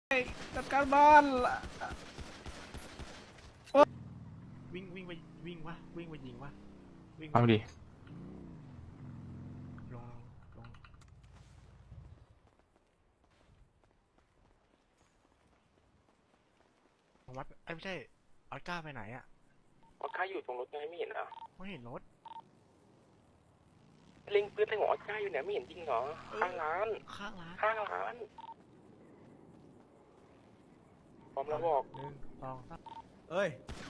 จัดการบ้านวิ่งไปวิ่งวะวิ่งไปยิงวะวิ่งเอาดิลงวัดไม่ใช่ออสการ์ไปไหนอะออสการ์อยู่ตรงรถไงไม่เห็นเหรอไม่เห็นรถเล็งปืนใส่หัวออสการ์อยู่เนี่ยไม่เห็นจริงเหรอข้างร้านข้างร้านข้างร้านพร้อมแล้วบอก 1 2 3 เอ้ย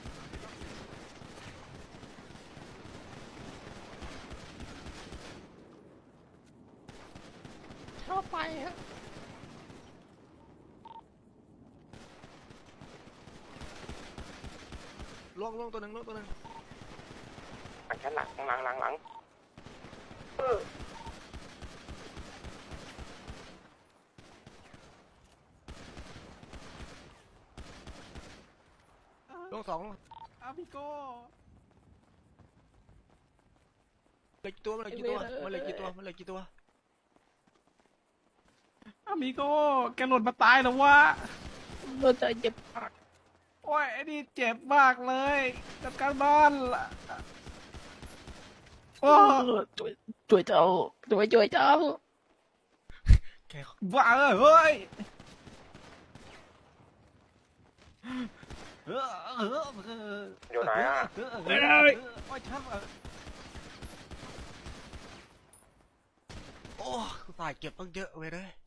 เข้าไปฮะล่วงตัวหนึ่งหลังชั้นหลังล่วง2 อาพิโก้เหลือกี่ตัวมันเหลือกี่ตัวอามิโก้แกหล่นมาตายแล้ววะเราจะเจ็บปากโอ้ยไอ้นี่เจ็บมากเลยจัดการบ้านโอ้ช่วยเจ้าช่วยเจ้าแกบ้าเฮ้ยอยู่ไหนอ่ะโอ้ยทับโอ้ตายเก็บตั้งเยอะเว้ยเลย